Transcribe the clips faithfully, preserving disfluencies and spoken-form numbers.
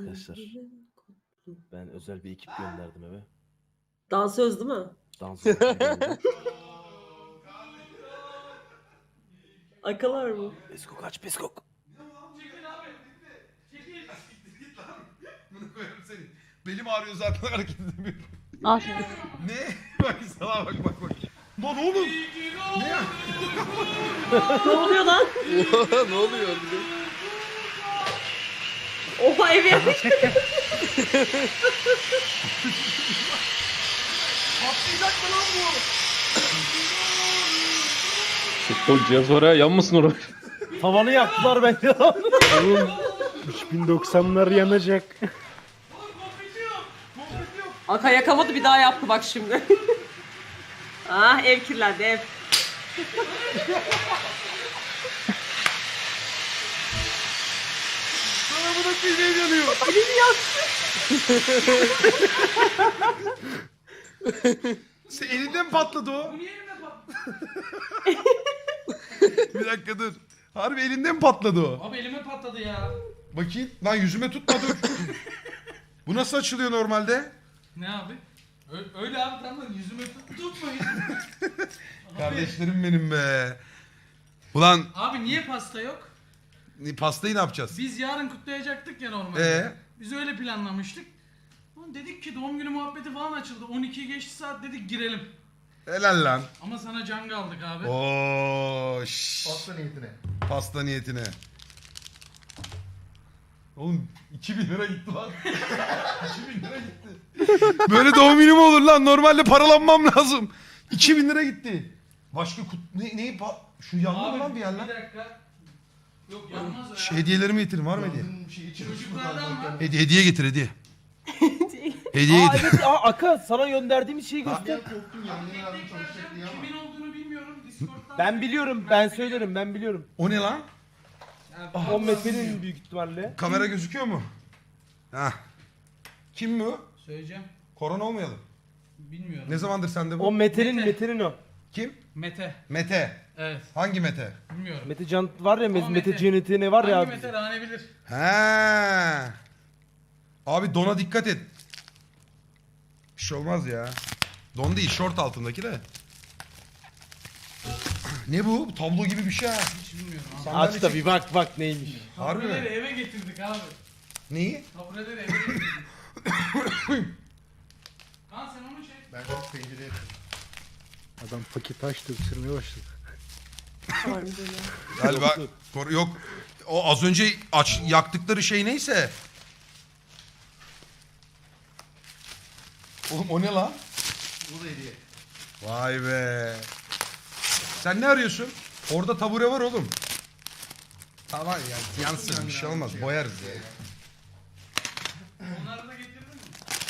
arkadaşlar. Ben özel bir ekip gönderdim eve. Dansöz değil mi? Dans geldi. Akalar mı? Peskok aç peskok. Bunu koyarım seni. Belim ağrıyor zaten hareket edemiyorum. Al. Ne? Bak sana bak bak bak. Lan oğlum. Ne ya? Ne oluyor lan? Ne oluyor? Oha ev yapmış. Patlayacak mı lan bu? Çok cihaz var ha, yanmasın oraya. Tavanı yaktılar bence. Oğlum üç bin doksanlar yanacak. Aka yakamadı bir daha yaptı bak şimdi. Ah ev kirlendi ev. Sana bu da kıymeyi yanıyor. Elini yaktı. Sen elinden mi patladı o? Bir dakika dur. Harbi elinden mi patladı o? Abi elime patladı ya. Bakayım. Lan yüzüme tutma dur. Bu nasıl açılıyor normalde? Ne abi? Ö- öyle abi tamam yüzüme tut tutmayın. Kardeşlerim benim be. Ulan Abi niye pasta yok? pastayı ne yapacağız? Biz yarın kutlayacaktık ya normalde. Ee? Biz öyle planlamıştık. Ulan dedik ki doğum günü muhabbeti falan açıldı. on ikiyi geçti saat dedik girelim. Helal lan. Ama sana can aldık abi. Oo, şşş. Pasta niyetine. Pasta niyetine. Oğlum iki bin lira gitti lan. iki bin lira gitti. Böyle doğum günü mü olur lan? Normalde paralanmam lazım. iki bin lira gitti. Başka kut... Ne, neyi pa... Şu yandı mı Abi lan bir yer lan? bir dakika. Yok yanmaz o ya. Şu hediyelerimi getirin var mı hediye? Şey, Çocuklardan var. Hediye, hediye getir hediye. Hediye Aa getir. evet aa Aka sana gönderdiğimiz şeyi göster. korktum ya. Ne lazım çalışacak diye ama. Kimin olduğunu bilmiyorum. Discord'dan. Ben biliyorum ben söylerim ben biliyorum. O ne lan? Yani, O Mete'nin büyük ihtimalle. Kamera gözüküyor mu? Hah. Kim bu? Söyleyeceğim. Korona olmayalım. Bilmiyorum. Ne zamandır sende bu? O Mete'nin Mete. Mete'nin o. Kim? Mete. Mete. Evet. Hangi Mete? Bilmiyorum. Mete Can var ya Ama Mete, Mete Mete. Cennet'i ne var ya Hangi abi. Mete Rane bilir. He. Abi dona dikkat et. Bir şey olmaz ya. Don değil, short altındaki de. Ne bu? Bu tablo gibi bir şey ha. Hiç bilmiyorum abi. Sandalye Aç da çek- bir bak bak neymiş. Harbi Tabureleri mi? eve getirdik abi. Neyi? Tabureleri eve getirdik. Lan sen onu çek. Ben çok pencereye Adam paket açtı, ısırmaya başladı. Galiba kor- yok. O az önce aç yaktıkları şey neyse. Oğlum o ne lan? Bu da hediye. Vay be. Sen ne arıyorsun? Orada tabure var oğlum. Tamam ya yansın bir şey olmaz boyarız ya. Onları da getirdin mi?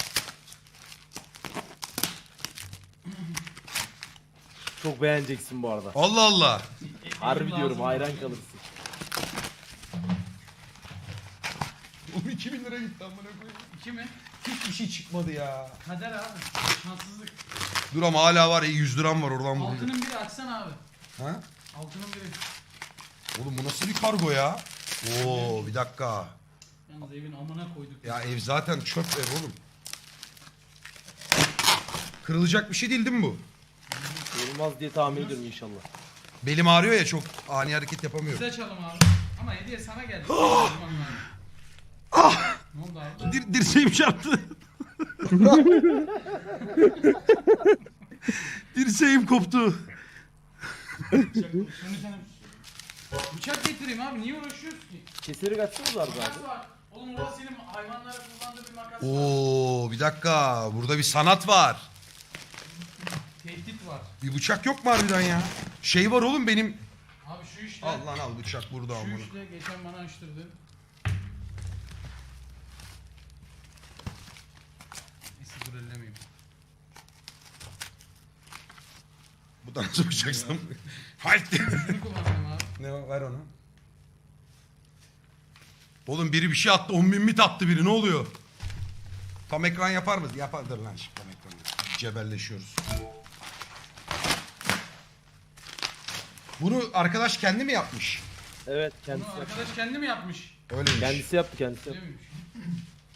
Çok beğeneceksin bu arada. Allah Allah. Harbi Lazım diyorum lazım. hayran kalırsın. Oğlum iki bin lira gitti amına koyayım. İki mi? Hiçbir şey çıkmadı ya. Kader abi. Şanssızlık. Dur ama hala var yüz liram var oradan bulayım. Altının biri açsana abi. Ha? Altının biri. Oğlum bu nasıl bir kargo ya? Oo bir dakika. Yalnız evin amına koyduk. Ya ev zaten çöp ev oğlum. Kırılacak bir şey değil değil mi bu? Olmaz diye tahmin ediyorum inşallah. Belim ağrıyor ya çok ani hareket yapamıyorum. Biz açalım abi. Ama hediye sana geldi. Ah! Ne oldu abi? Dir dirseğim çarptı. Dirseğim koptu. Şunu sen... Bıçak getireyim abi. Niye uğraşıyorsun ki? Keseri kaçsanız var Makas abi. var. Oğlum orası senin hayvanlara kullandığı bir makas var. Oo bir dakika burada bir sanat var. Tehdit var. Bir bıçak yok mu harbiden ya? Şey var oğlum benim. Abi şu işte. Al lan al bıçak burada Şu amına. işte geçen bana açtırdı. Neyse dur ellemeyeyim. Bu da nasıl bıçaksam? Haydi. Şunu kullanacağım abi. Ne var ver onu. Oğlum biri bir şey attı on bin mit attı biri ne oluyor? Tam ekran yapar mı? Yapardır lan şimdi tam ekran. Cebelleşiyoruz. Bunu arkadaş kendi mi yapmış? Evet Bunu kendisi yaptı. arkadaş kendi mi yapmış? Öyleymiş. Kendisi yaptı kendisi Öyle yaptı. miymiş?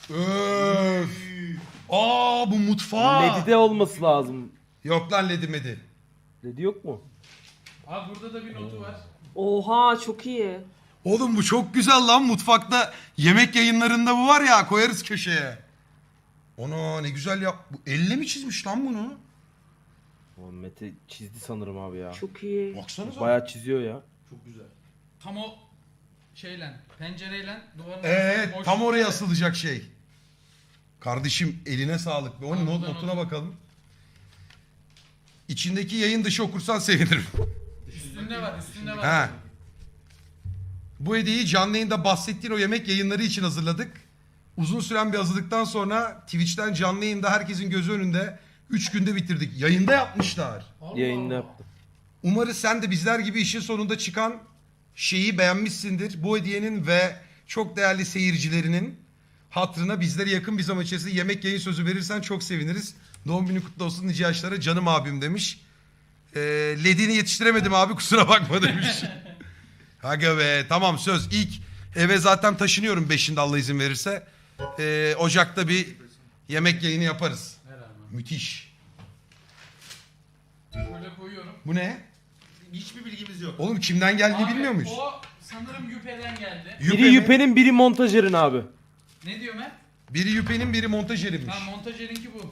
Öf. Aa bu mutfağı. Ledi'de olması lazım. Yok lan ledi medi. Ledi yok mu? Abi burada da bir notu var. Oha çok iyi. Oğlum bu çok güzel lan mutfakta. Yemek yayınlarında bu var ya koyarız köşeye. Ona ne güzel yap. Bu elle mi çizmiş lan bunu? O Mete çizdi sanırım abi ya. Çok iyi. Baksanıza. Bayağı çiziyor ya. Çok güzel. Tam o şeyle, pencereyle duvarın Evet arasında tam boşluk oraya var. asılacak şey. Kardeşim eline sağlık. Onun Tamam, not, buradan notuna not. bakalım. İçindeki yayın dışı okursan sevinirim. Üstünde var, üstünde var. Ha. Bu hediyeyi canlı yayında bahsettiğin o yemek yayınları için hazırladık. Uzun süren bir hazırlıktan sonra Twitch'ten canlı yayında herkesin gözü önünde üç günde bitirdik. Yayında yapmışlar. Allah Yayında Allah. yaptım. Umarız sen de bizler gibi işin sonunda çıkan şeyi beğenmişsindir. Bu hediyenin ve çok değerli seyircilerinin hatırına bizlere yakın bir zaman içerisinde yemek yayın sözü verirsen çok seviniriz. Doğum günü kutlu olsun nice yaşlara canım abim demiş. Ee, Ledini yetiştiremedim abi kusura bakma demiş. Aga be tamam söz ilk eve zaten taşınıyorum beşinde Allah izin verirse. Ee, Ocak'ta bir yemek yayını yaparız. Ver abi. Müthiş. Şöyle koyuyorum. Bu ne? Hiçbir bilgimiz yok. Oğlum kimden geldiğini Abi, bilmiyor muyuz? O sanırım Yüpe'den geldi. Yüpe Biri mi? Yüpe'nin biri montajerin abi. Ne diyor Mert? Biri Yüpe'nin biri montajerinmiş. Ha montajerinki bu.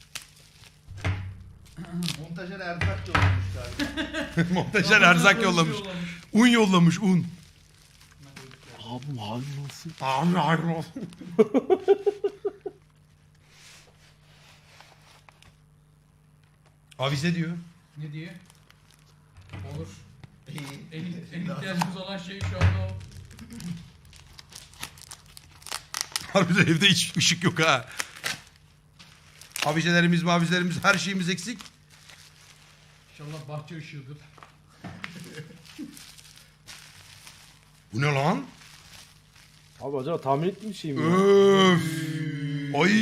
Montajer erzak yollamış galiba. Montajer erzak yollamış. Un yollamış un. Abi abi nasıl? Abi hayır olsun. Avize diyor. Ne diyor? Olur. İyi. En, en ihtiyacımız olan şey şu anda o. Harbiden evde hiç ışık yok ha. Avizelerimiz mavizelerimiz her şeyimiz eksik. İnşallah bahçe ışığıdır. Bu ne lan? Abi acaba tahmin ettiğim bir şey mi? ya? Öf. Ay.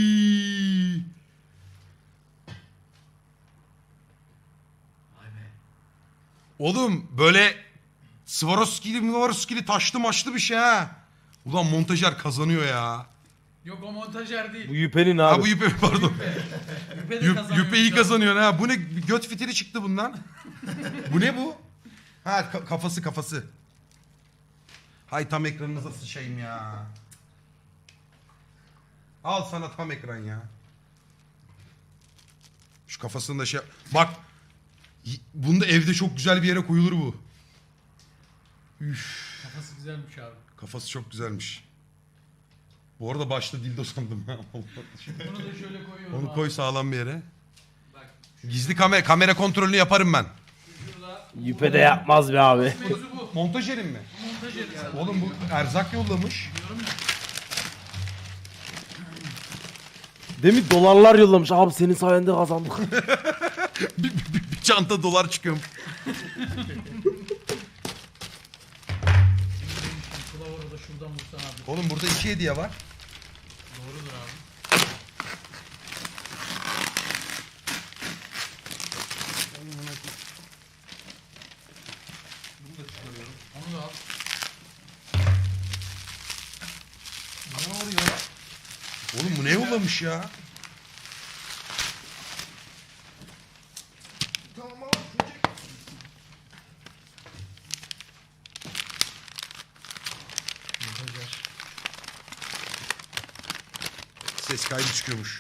Oğlum böyle Swarovski'li Swarovski'li taşlı maçlı bir şey ha. Ulan montajer kazanıyor ya. Yok o montajer değil. Bu Yüpe'nin Ha abi. bu Yüpe pardon. Yüpe de Yüp, kazanıyor. Yüpe iyi kazanıyor ha. Bu ne göt fitili çıktı bundan. Bu ne bu? Ha ka- kafası kafası. Hay tam ekranınıza sıçayım ya. Al sana tam ekran ya. Şu kafasında şey... Bak. y- Bunda evde çok güzel bir yere koyulur bu. Üf. Kafası güzelmiş abi. Kafası çok güzelmiş. Bu arada başta dildo sandım. ha. Bunu da şöyle koyuyorum Onu abi. koy sağlam bir yere. Bak Gizli kamera, kamera kontrolünü yaparım ben. şurada. Yüpe de yapmaz be abi. Mevzu bu. Montajerim mi? Montajeri sen. Oğlum bu erzak yollamış. Diyorum ya. Demin dolarlar yollamış. Abi senin sayende kazandık. bir, bir- bir- bir çanta dolar çıkıyor. Kılavuru da şuradan vursan abi. Oğlum burada iki hediye var. Doğrudur abi. Onu da al. Ne oluyor? Oğlum bu ne yollamış ya? Tamam ama çocuk. Ses kaydı çıkıyormuş.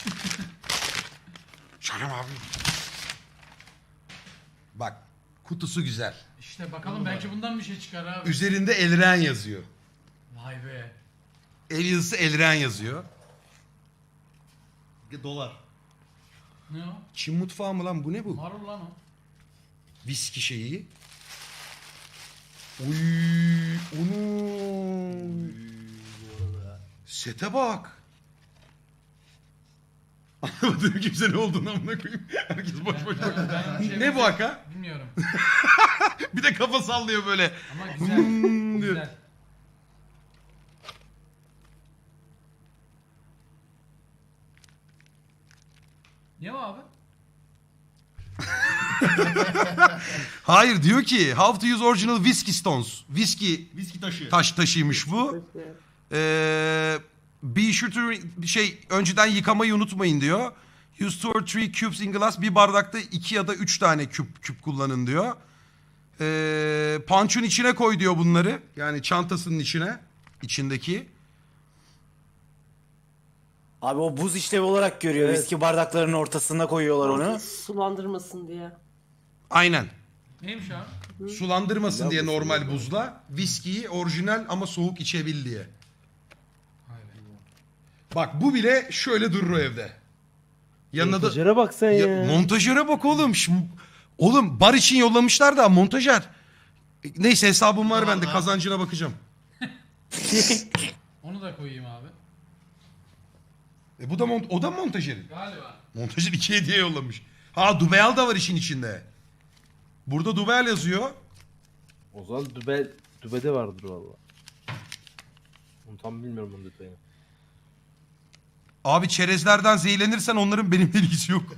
Canım abi. Bak kutusu güzel. İşte bakalım belki bundan bir şey çıkar abi. Üzerinde Elren yazıyor. Vay be. El yazısı Elren yazıyor. Dolar. Ne o? Çin mutfağı mı lan bu ne bu? Marul lan o. Viski şeyi. Uy, onu. Sete bak. Anlamadım kimse ne olduğunu amına koyayım. Herkes boş boş bak. Ben bir şey Ne bu haka? Bilmiyorum. Bir de kafa sallıyor böyle. Ama güzel. Hmm diyor. Güzel. Ne o abi? Hayır diyor ki how to use original whiskey stones. Whiskey Viski taşı. taş taşıymış bu. Ee, Be sure to şey önceden yıkamayı unutmayın diyor. Use two or three cubes in glass. Bir bardakta iki ya da üç tane küp küp kullanın diyor. Ee, punch'un içine koy diyor bunları. Yani çantasının içine. İçindeki. Abi o buz işlevi olarak görüyor. Evet. Viski bardaklarının ortasına koyuyorlar onu. Sulandırmasın diye. Aynen. Neymiş abi? Sulandırmasın diye normal buzla. Viskiyi orijinal ama soğuk içebil diye. Bak bu bile şöyle durur o evde. Yanına da... Montajere bak sen ya. Ya, montajöre bak oğlum. Şimdi, oğlum bar için yollamışlar da montajer. E, Neyse hesabım var bende, kazancına bakacağım. Onu da koyayım abi. E bu da mont o da montajerin. Galiba. Montajer iki hediye yollamış. Ha Dubeyal da var işin içinde. Burada Dubeyal yazıyor. O zaman dübe, dübede vardır valla. Onu tam bilmiyorum onun detayını. Abi çerezlerden zehirlenirsen onların benimle ilgisi yok.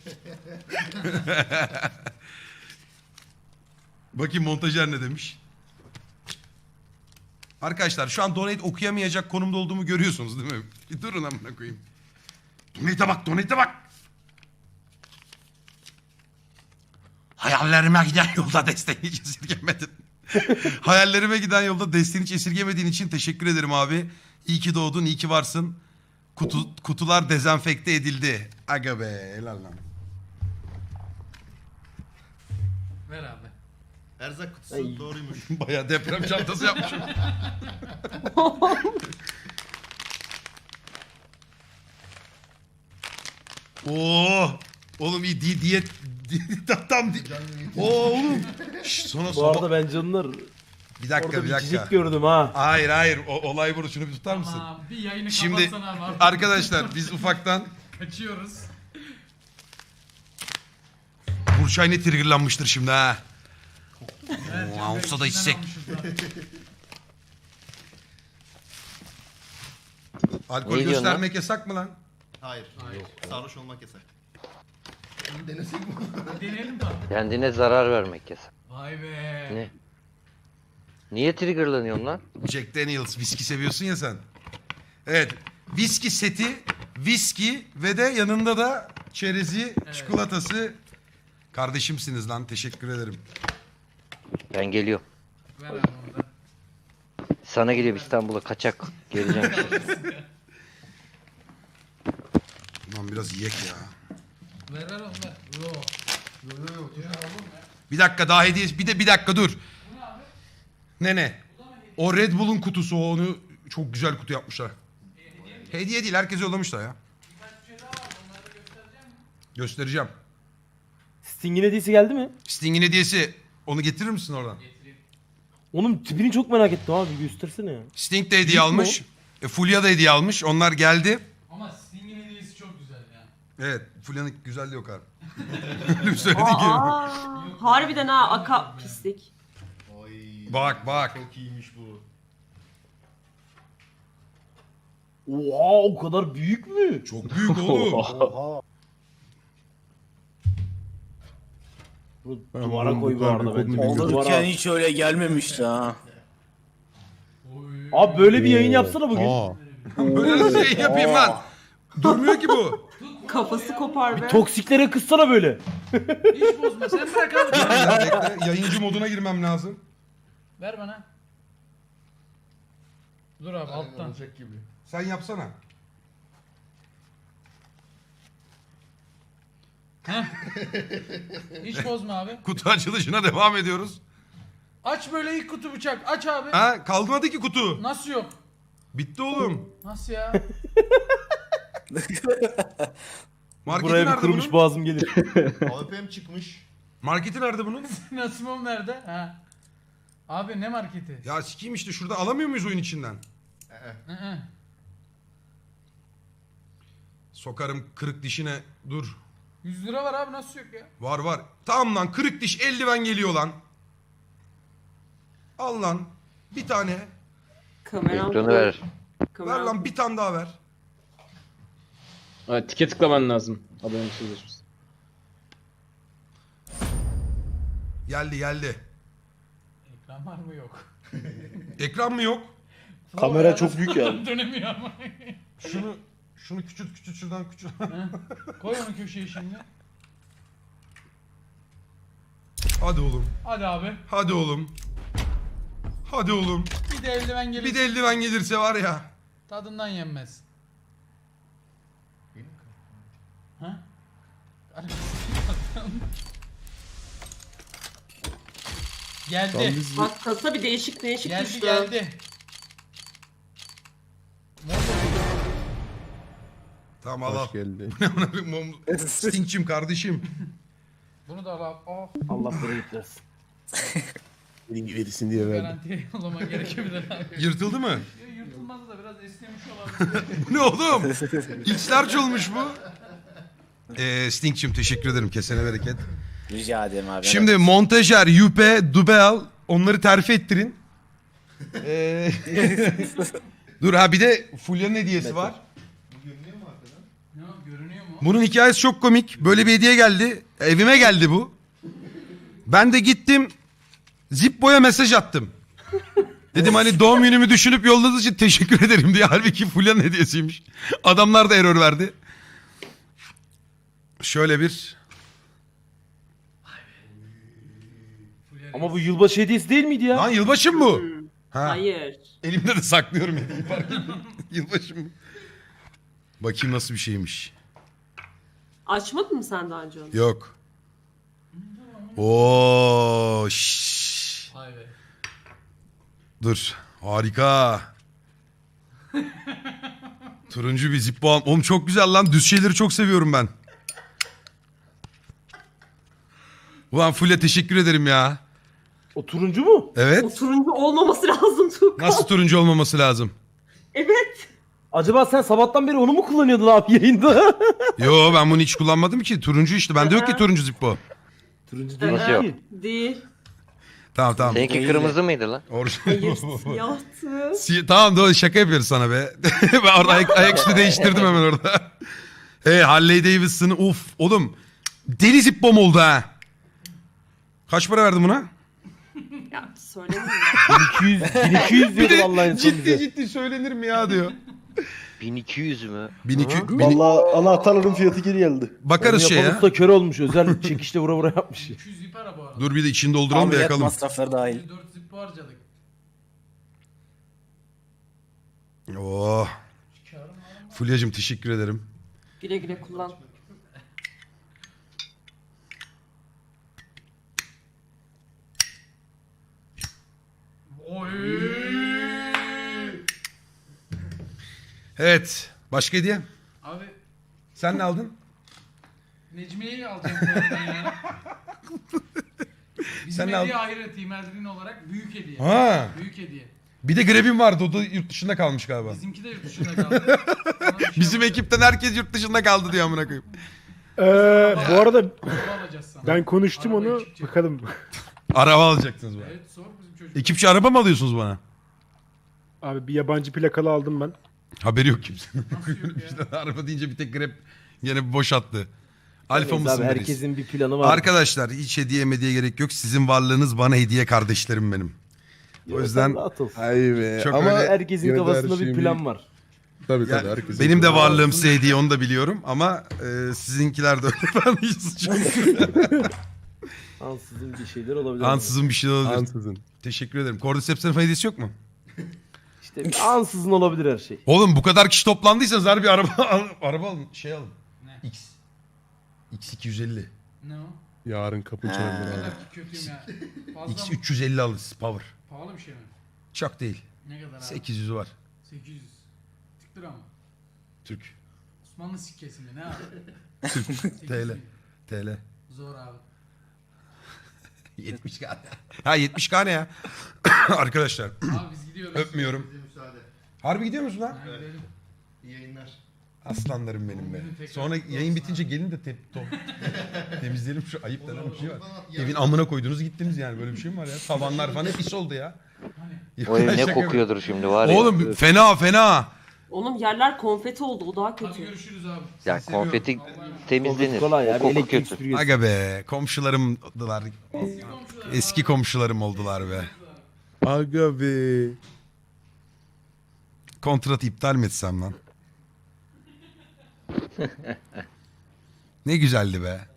Bakayım montajer ne demiş. Arkadaşlar şu an donate okuyamayacak konumda olduğumu görüyorsunuz değil mi? Bir durun amına koyayım. Donate'e bak, donate'e bak. Hayallerime giden yolda desteğini hiç esirgemedin. Hayallerime giden yolda desteğini hiç esirgemediğin için teşekkür ederim abi. İyi ki doğdun, iyi ki varsın. Kutu, kutular dezenfekte edildi. Aga be, helal lan. Ver abi. Erzak kutusu doğruymuş. Bayağı deprem çantası yapmışım. Oo, oğlum iyi di diyet di, tam tam di. Oo oğlum. Şş, sonra Bu sonra. arada bence onlar Bir dakika orada bir bir dakika. cicik gördüm ha. Hayır hayır o, olay burada, şunu bir tutar mısın? Aa, bir yayını Şimdi kapatsana abi. arkadaşlar biz ufaktan Kaçıyoruz. Burçay ne triggerlanmıştır şimdi ha. Evet, Oo, Can Bey, olsa da içinden içsek. almışız da. Alkol Ne diyorsun göstermek yasak mı lan? Hayır. Hayır. Sarhoş olmak yasak. Bunu denesek mi? Deneyelim tabii. Kendine zarar vermek yasak. Vay be. Ne? Niye triggerlanıyorsun lan? Jack Daniels viski seviyorsun ya sen. Evet. Viski seti, viski ve de yanında da çerezi, çikolatası. Kardeşimsiniz lan. Teşekkür ederim. Ben geliyorum. Ver abi onu da. Sana geliyorum İstanbul'a kaçak. Geleceğim. Lan biraz yiyek ya. Ver ver onu ver. Yo. Bir dakika daha hediye. Bir de bir dakika dur. Ne ne? O Red Bull'un kutusu, onu çok güzel kutu yapmışlar. Hediye değil, herkese yollamışlar ya. Göstereceğim. Sting'in hediyesi geldi mi? Sting'in hediyesi. Onu getirir misin oradan? Onun tipini çok merak ettim abi, göstersene ya. Sting de hediye Büyük mü almış. E, Fulya da hediye almış. Onlar geldi. Ama Sting'in hediyesi çok güzel ya. Evet. Fulya'nın güzelliği yok abi. Öyle bir söyledi ki. Aa, harbiden ha aka pislik. Oy. Bak bak. Çok iyiymiş bu. Oha, o kadar büyük mü? Çok büyük oğlum. Oha. Bunu duvara koy bu arada bence. Olurken Duvara. hiç öyle gelmemişti ha. Oy. Abi böyle bir yayın yapsana bugün. Böyle nasıl şey yapayım lan? Durmuyor ki bu. Kafası kopar be. Toksiklere kızsana böyle. Hiç bozma. Sen bırak abi. Bekle, yayıncı moduna girmem lazım. Ver bana. Dur abi alttan. Olacak gibi. Sen yapsana. Hiç bozma abi. Kutu açılışına devam ediyoruz. Aç böyle ilk kutu bıçak. Aç abi. Ha, kalmadı ki kutu. Nasıl yok? Bitti oğlum. Nasıl ya? Marketi Buraya bir nerede kırmış bunun? boğazım gelir. A W P'm çıkmış. Marketi nerede bunun? Nasımım nerede? Ha. Abi ne marketi? Ya sikiyim işte, şurada alamıyor muyuz oyun içinden? Hı hı. Sokarım kırık dişine. Dur. yüz lira var abi nasıl yok ya? Var var. Tamam lan, kırık diş eldiven geliyor lan. Al lan. Bir tane. Kameram. Ekranı ver. Ver Kameram. lan, bir tane daha ver. Ha, tike tıklaman lazım. Abone sözleşmesi. Geldi geldi. Ekran var mı yok? Ekran mı yok? Kamera çok büyük ya. Dönemiyor ama. Şunu şunu küçült küçült şuradan küçült. Koy onu köşeye şimdi. Hadi oğlum. Hadi abi. Hadi oğlum. Hadi oğlum. Bir de eldiven gelir. Bir de eldiven gelirse var ya. Tadından yenmez. Ha? Geldi. Bak kasa bir değişik değişik Geldi düştü. geldi. Tamam al al. Hoş geldi. Stinkçim kardeşim. Bunu da al abi. Oh, Allah bereket versin. Verirsin diye verdim. garantiye yollaman gerekebilir abi. Yırtıldı mı? Ya, yırtılmaz da biraz esnemiş olabilir. Bu ne oğlum? X-large olmuş bu. Ee, Stinkçim teşekkür ederim. Kesene bereket. Rica ederim abi. Şimdi montajer, yüpe, dubel onları terfi ettirin. Ee, Dur ha bir de Fulya'nın hediyesi var. Ne o, görünüyor mu? Bunun hikayesi çok komik. Böyle bir hediye geldi. Evime geldi bu. Ben de gittim. Zippo'ya mesaj attım. Dedim hani doğum günümü düşünüp yolladığınız için teşekkür ederim diye. Halbuki Fulya'nın hediyesiymiş. Adamlar da error verdi. Şöyle bir... Ama bu yılbaşı hediyesi değil miydi ya? Lan yılbaşı mı bu? Ha. Hayır. Elimde de saklıyorum hediyeyi fark ettim. Yılbaşı mı? Bakayım nasıl bir şeymiş. Açmadın mı sen daha önce onu? Yok. Oo, şşş. Vay be. Dur. Harika. Turuncu bir Zippo al. Oğlum çok güzel lan. Düz şeyleri çok seviyorum ben. Ulan Fulya teşekkür ederim ya. O turuncu mu? O Evet. turuncu olmaması lazım Tuğkan. Nasıl turuncu olmaması lazım? Evet. Acaba sen sabahtan beri onu mu kullanıyordun abi yayında? Yo ben bunu hiç kullanmadım ki. Turuncu işte. Bende yok ki turuncu Zippo. turuncu değil Nasıl yok? ki. Değil. Tamam tamam. Seninki kırmızı mıydı lan? Hayır Orijinal. siyahtı. Si- tamam doğru şaka yapıyoruz sana be. Ben orada ayak, ayaküstü değiştirdim hemen orada. Hey Harley Davidson'ı uf oğlum. Deli Zippo'm oldu ha. Kaç para verdin buna? Ya söylemeyeyim. bin iki yüz, bin iki yüz diyordu vallahi en son Ciddi bize. ciddi söylenir mi ya diyor. bin iki yüz mü? bin iki yüz. Vallahi anahtarların fiyatı geri geldi. Bakarız Onu şey yapan ya. usta kör olmuş. Özel çekişle vura vura yapmış. iki yüz zip ara bu arada. Dur bir de içini dolduralım da Ameliyat yakalım. masrafları dahil. yüz dört zip harcadık. Oh. Fulya'cığım teşekkür ederim. Güle güle kullan. Oy. Evet. Başka hediye? Abi Sen ne aldın? Necmiye'yi alacağım bu arada ya. Bizim Sen ne hediye ahiret İmerdin olarak büyük hediye. Ha. Büyük hediye. Bir de Grebin vardı. O da yurt dışında kalmış galiba. Bizimki de yurt dışında kaldı. Sana bir şey Bizim alacağım. ekipten herkes yurt dışında kaldı diyor amına koyayım. Ee, bu arada Araba alacağız sana. ben konuştum Araba onu. ekipçi. Bakalım. Araba alacaksınız bana. Evet sor bizim çocuk. Ekipçi araba mı alıyorsunuz bana? Abi bir yabancı plakalı aldım ben. Haberi yok kimsenin. Nasıl yok ya? İşte araba deyince bir tek Grab yine boş attı. Alfa Neyse mısın abi, Melis? herkesin bir planı var. Arkadaşlar hiç hediye mediye gerek yok. Sizin varlığınız bana hediye kardeşlerim benim. O yüzden Rahat ol. Ay be. Çok Ama öyle- Herkesin Yine de her kafasında bir şeyin plan var. tabii Ya, tabii herkesin. benim de varlığım size hediye onu da biliyorum ama e, sizinkiler de öyle. Ben hiç suçum yok. Ansızın bir şeyler olabilir. Ansızın bir şey olabilir. Ansızın. Teşekkür ederim. Cordyceps'in hediyesi yok mu? İşte bir ansızın olabilir her şey. Oğlum bu kadar kişi toplandıysanız harbi araba al, araba alın. Şey alın. Ne? X. X iki yüz elli. Ne o? Yarın kapı çalınır Ne abi. kadar ki kötüyüm ya. Fazla X mı? üç yüz elli alırız. Power. Pahalı bir şey mi? Çok değil. Ne kadar abi? sekiz yüz var. sekiz yüz. Tık lira mı? Türk. Osmanlı sikkesi mi? Ne abi? T L. T L. Zor abi. yetmiş K. Ha yetmiş K ne ya? Arkadaşlar Abi biz gidiyoruz. öpmüyorum. Bize müsaade. Harbi gidiyor musun lan? Ha, gidelim. İyi yayınlar. Aslanlarım benim be. Sonra yayın bitince gelin de te top. temizleyelim şu ayıp denen bir şey var. Evin amına koydunuz gittiniz yani böyle bir şey mi var ya? Tavanlar falan hep pis oldu ya. O ev ne Şaka kokuyordur şimdi var ya. Oğlum fena fena. Onun yerler konfeti oldu. O daha Hadi kötü. görüşürüz abi. Ya konfeti temizlenir. Kolay ya. O Bir koku elektrik kötü. süpürgesi. Aga be komşularım oldular. Eski komşularım oldular be. Aga be. Kontratı iptal mi etsem lan? Ne güzeldi be.